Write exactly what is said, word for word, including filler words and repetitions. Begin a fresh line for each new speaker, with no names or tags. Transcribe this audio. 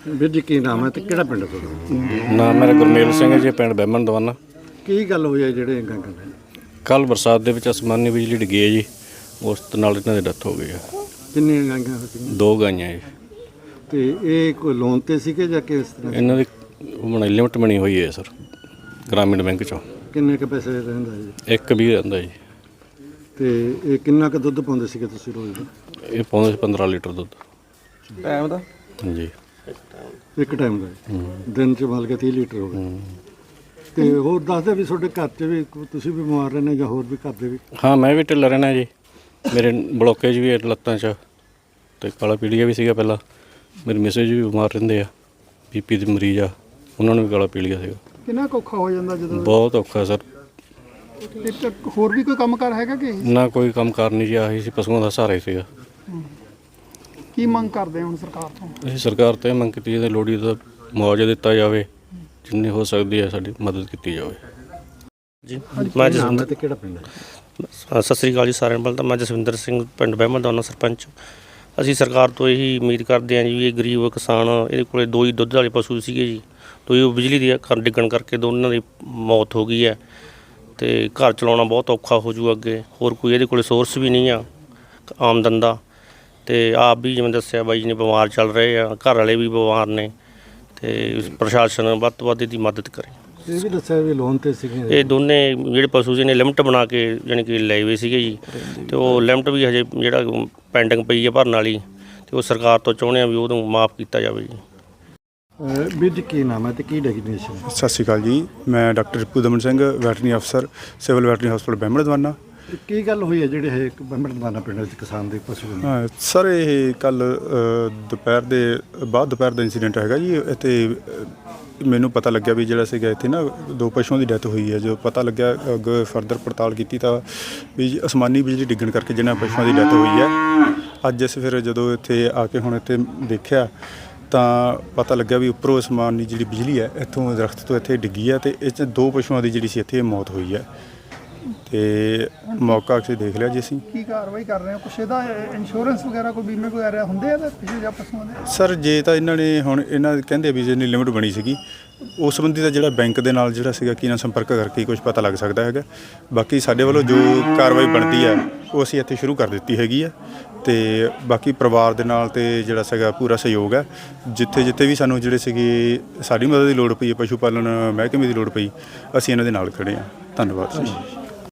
ਵੀਰ जी की नाम है तो ਕਿਹੜਾ ਪਿੰਡ ਤੁਹਾਡਾ?
ਨਾਮ ਮੇਰਾ ਗੁਰਮੇਲ ਸਿੰਘ ਹੈ ਜੀ, ਪਿੰਡ ਬਹਿਮਣ ਦਵਾਨਾ।
ਕੀ ਗੱਲ ਹੋਈ ਹੈ ਜਿਹੜੇ ਗਾਂ ਗਾਂ
ਕੱਲ ਬਰਸਾਤ ਦੇ ਵਿੱਚ ਅਸਮਾਨੀ ਬਿਜਲੀ ਡਿੱਗੀ ਹੈ ਜੀ, ਉਸ ਨਾਲ ਇਹਨਾਂ ਦੀ ਡੈਥ ਹੋ ਗਈ ਹੈ।
ਕਿੰਨੀਆਂ ਗਾਂਆਂ ਸੀ?
ਦੋ ਗਾਈਆਂ ਜੀ।
ਤੇ ਇਹ ਕੋਈ ਲੋਨ ਤੇ ਸੀਗੇ ਜਾਂ ਕਿਸ ਤਰ੍ਹਾਂ?
ਇਹਨਾਂ ਦੀ ਬਣੀ ਲਿਮਟ ਬਣੀ ਹੋਈ ਹੈ ਸਰ, ਗ੍ਰਾਮੀਣ ਬੈਂਕ ਚੋਂ।
ਕਿੰਨੇ ਕੁ ਪੈਸੇ ਰਹਿੰਦਾ ਜੀ?
ਇੱਕ ਵੀ ਰਹਿੰਦਾ ਜੀ।
ਤੇ ਇਹ ਕਿੰਨਾ ਕੁ ਦੁੱਧ ਪਾਉਂਦੇ ਸੀਗੇ ਤੁਸੀਂ ਰੋਜ਼?
ਇਹ ਪਾਉਂਦੇ ਸੀ ਪੰਦਰਾਂ ਲੀਟਰ ਦੁੱਧ
ਟਾਈਮ ਦਾ
ਜੀ,
ਇੱਕ ਟਾਈਮ ਦਾ। ਦਿਨ ਚ ਮਤਲਬ ਕਿ ਤੀਹ ਲੀਟਰ ਹੋ ਗਏ। ਤੇ ਹੋਰ ਦੱਸਦੇ ਵੀ ਤੁਹਾਡੇ ਘਰ 'ਚ ਵੀ ਤੁਸੀਂ ਵੀ ਬਿਮਾਰ ਰਹਿੰਦੇ ਜਾਂ ਹੋਰ ਵੀ ਘਰ ਦੇ ਵੀ?
ਹਾਂ, ਮੈਂ ਵੀ ਢਿੱਲਾ ਰਹਿਣਾ ਜੀ। ਮੇਰੇ ਬਲੋਕੇਜ ਵੀ ਹੈ ਲੱਤਾਂ 'ਚ, ਅਤੇ ਕਾਲਾ ਪੀਲੀਆ ਵੀ ਸੀਗਾ ਪਹਿਲਾਂ। ਮੇਰੇ ਮਿਸੇਜ ਵੀ ਬਿਮਾਰ ਰਹਿੰਦੇ ਆ, ਬੀਪੀ ਦੇ ਮਰੀਜ਼ ਆ, ਉਹਨਾਂ ਨੂੰ ਵੀ ਕਾਲਾ ਪੀਲੀਆ ਸੀਗਾ।
ਕਿੰਨਾ ਕੁ ਔਖਾ ਹੋ ਜਾਂਦਾ ਜਦੋਂ?
ਬਹੁਤ ਔਖਾ ਸਰ।
ਇੱਕ ਹੋਰ ਵੀ ਕੋਈ ਕੰਮ ਕਾਰ ਹੈਗਾ ਕਿ
ਨਾ ਕੋਈ ਕੰਮ ਕਾਰ ਨਹੀਂ ਜੀ, ਆਹੀ ਸੀ, ਪਸ਼ੂਆਂ ਦਾ ਸਹਾਰਾ ਹੀ ਸੀਗਾ।
ਕੀ ਮੰਗ ਕਰਦੇ ਹੁਣ ਸਰਕਾਰ ਤੋਂ?
ਇਹ ਸਰਕਾਰ ਤੋਂ ਇਹ ਮੰਗ ਕੀਤੀ ਜਾਂਦੀ, ਲੋਹੜੀ ਦਾ ਮੁਆਵਜ਼ਾ ਦਿੱਤਾ ਜਾਵੇ, ਜਿੰਨੀ ਹੋ ਸਕਦੀ ਹੈ ਸਾਡੀ ਮਦਦ ਕੀਤੀ ਜਾਵੇ
ਜੀ। ਮੈਂ
ਜਸਵਿੰਦਰ ਤੇ ਕਿਹੜਾ ਪਿੰਡ ਹੈ?
ਸਤਿ ਸ੍ਰੀ ਅਕਾਲ ਜੀ ਸਾਰਿਆਂ ਨੂੰ। ਪਹਿਲਾਂ ਤਾਂ ਮੈਂ ਜਸਵਿੰਦਰ ਸਿੰਘ, ਪਿੰਡ ਬਹਿਮਣ ਦਵਾਨਾ ਸਰਪੰਚ। ਅਸੀਂ ਸਰਕਾਰ ਤੋਂ ਇਹੀ ਉਮੀਦ ਕਰਦੇ ਹਾਂ ਜੀ, ਇਹ ਗਰੀਬ ਕਿਸਾਨ, ਇਹਦੇ ਕੋਲ ਦੋ ਹੀ ਦੁੱਧ ਵਾਲੇ ਪਸ਼ੂ ਸੀਗੇ ਜੀ, ਦੋ ਹੀ ਬਿਜਲੀ ਦੀ ਘਰ ਡਿੱਗਣ ਕਰਕੇ ਦੋਨਾਂ ਦੀ ਮੌਤ ਹੋ ਗਈ ਹੈ। ਅਤੇ ਘਰ ਚਲਾਉਣਾ ਬਹੁਤ ਔਖਾ ਹੋ ਜੂ ਅੱਗੇ। ਹੋਰ ਕੋਈ ਇਹਦੇ ਕੋਲ ਸੋਰਸ ਵੀ ਨਹੀਂ ਆ ਆਮਦਨ ਦਾ। ਅਤੇ ਆਪ ਵੀ ਜਿਵੇਂ ਦੱਸਿਆ ਬਾਈ ਜੀ ਨੇ ਬਿਮਾਰ ਚੱਲ ਰਹੇ ਆ, ਘਰ ਵਾਲੇ ਵੀ ਬਿਮਾਰ ਨੇ, ਅਤੇ ਪ੍ਰਸ਼ਾਸਨ ਵੱਧ ਤੋਂ ਵੱਧ ਇਹਦੀ ਮਦਦ ਕਰੇ।
ਇਹ ਵੀ ਦੱਸਿਆ ਵੀ ਲੋਨ ਤੇ ਸੀਗੇ
ਇਹ ਦੋਨੇ ਜਿਹੜੇ ਪਸ਼ੂ ਸੀ ਨੇ ਲਿਮਟ ਬਣਾ ਕੇ ਜਾਣੀ ਕਿ ਲਏ ਹੋਏ ਸੀਗੇ ਜੀ, ਅਤੇ ਉਹ ਲਿਮਟ ਵੀ ਹਜੇ ਜਿਹੜਾ ਪੈਂਡਿੰਗ ਪਈ ਹੈ ਭਰਨ ਵਾਲੀ, ਅਤੇ ਉਹ ਸਰਕਾਰ ਤੋਂ ਚਾਹੁੰਦੇ ਆ ਵੀ ਉਹਨੂੰ ਮਾਫ ਕੀਤਾ ਜਾਵੇ ਜੀ।
ਵੀਰ ਜੀ ਕੀ ਨਾਮ ਹੈ ਤੇ ਕੀ ਡੈਗਨੇਸ਼ਨ?
ਸਤਿ ਸ਼੍ਰੀ ਅਕਾਲ ਜੀ, ਮੈਂ ਡਾਕਟਰ ਰਿਪੂ ਦਮਨ ਸਿੰਘ, ਵੈਟਰਨਰੀ ਅਫਸਰ, ਸਿਵਲ ਵੈਟਰਨਰੀ ਹਸਪਤਾਲ ਬਹਿਮਣ ਦਵਾਨਾ।
ਕੀ ਗੱਲ ਹੋਈ ਹੈ ਜਿਹੜੇ ਇਹ ਬਹਿਮਣ ਦਵਾਨਾ ਪਿੰਡ ਵਿੱਚ ਕਿਸਾਨ ਦੇ ਪਸ਼ੂ ਨੇ?
ਹਾਂ ਸਰ, ਇਹ ਕੱਲ ਦੁਪਹਿਰ ਦੇ ਬਾਅਦ ਦੁਪਹਿਰ ਦਾ ਇੰਸੀਡੈਂਟ ਹੈਗਾ ਜੀ। ਇੱਥੇ ਮੈਨੂੰ ਪਤਾ ਲੱਗਿਆ ਵੀ ਜਿਹੜਾ ਸੀਗਾ ਇੱਥੇ ਨਾ ਦੋ ਪਸ਼ੂਆਂ ਦੀ ਡੈਥ ਹੋਈ ਹੈ। ਜੋ ਪਤਾ ਲੱਗਿਆ ਅੱਗੇ ਫਰਦਰ ਪੜਤਾਲ ਕੀਤੀ ਤਾਂ ਵੀ ਅਸਮਾਨੀ ਬਿਜਲੀ ਡਿੱਗਣ ਕਰਕੇ ਜਿਹਨਾਂ ਪਸ਼ੂਆਂ ਦੀ ਡੈਥ ਹੋਈ ਹੈ। ਅੱਜ ਅਸੀਂ ਫਿਰ ਜਦੋਂ ਇੱਥੇ ਆ ਕੇ ਹੁਣ ਇੱਥੇ ਦੇਖਿਆ ਤਾਂ ਪਤਾ ਲੱਗਿਆ ਵੀ ਉੱਪਰੋਂ ਅਸਮਾਨੀ ਜਿਹੜੀ ਬਿਜਲੀ ਹੈ ਇੱਥੋਂ ਦਰਖਤ ਤੋਂ ਇੱਥੇ ਡਿੱਗੀ ਹੈ, ਅਤੇ ਇਹ 'ਚ ਦੋ ਪਸ਼ੂਆਂ ਦੀ ਜਿਹੜੀ ਸੀ ਇੱਥੇ ਮੌਤ ਹੋਈ ਹੈ। ਅਤੇ ਮੌਕਾ ਅਸੀਂ ਦੇਖ ਲਿਆ ਜੀ। ਅਸੀਂ
ਕੀ ਕਾਰਵਾਈ ਕਰ ਰਹੇ ਹੋ? ਕੁਛ ਇਹਦਾ ਇੰਸ਼ੋਰੈਂਸ ਵਗੈਰਾ ਕੋਈ ਬੀਮੇ ਵਗੈਰਾ ਹੁੰਦੇ ਆ ਪਿਛਲੇ ਜਾਂ ਪਸ਼ੂਆਂ ਦੇ?
ਸਰ ਜੇ ਤਾਂ ਇਹਨਾਂ ਨੇ ਹੁਣ ਇਹਨਾਂ ਕਹਿੰਦੇ ਵੀ ਜਿੰਨੀ ਲਿਮਟ ਬਣੀ ਸੀਗੀ ਉਸ ਸੰਬੰਧੀ ਦਾ ਜਿਹੜਾ ਬੈਂਕ ਦੇ ਨਾਲ ਜਿਹੜਾ ਸੀਗਾ ਕੀ ਨਾਲ ਸੰਪਰਕ ਕਰਕੇ ਕੁਝ ਪਤਾ ਲੱਗ ਸਕਦਾ ਹੈਗਾ। ਬਾਕੀ ਸਾਡੇ ਵੱਲੋਂ ਜੋ ਕਾਰਵਾਈ ਬਣਦੀ ਹੈ ਉਹ ਅਸੀਂ ਇੱਥੇ ਸ਼ੁਰੂ ਕਰ ਦਿੱਤੀ ਹੈਗੀ ਹੈ, ਅਤੇ ਬਾਕੀ ਪਰਿਵਾਰ ਦੇ ਨਾਲ ਤੇ ਜਿਹੜਾ ਸੀਗਾ ਪੂਰਾ ਸਹਿਯੋਗ ਹੈ। ਜਿੱਥੇ ਜਿੱਥੇ ਵੀ ਸਾਨੂੰ ਜਿਹੜੇ ਸੀਗੇ ਸਾਡੀ ਮਦਦ ਦੀ ਲੋੜ ਪਈ ਹੈ, ਪਸ਼ੂ ਪਾਲਣ ਮਹਿਕਮੇ ਦੀ ਲੋੜ ਪਈ, ਅਸੀਂ ਇਹਨਾਂ ਦੇ ਨਾਲ ਖੜ੍ਹੇ ਹਾਂ। ਧੰਨਵਾਦ ਜੀ।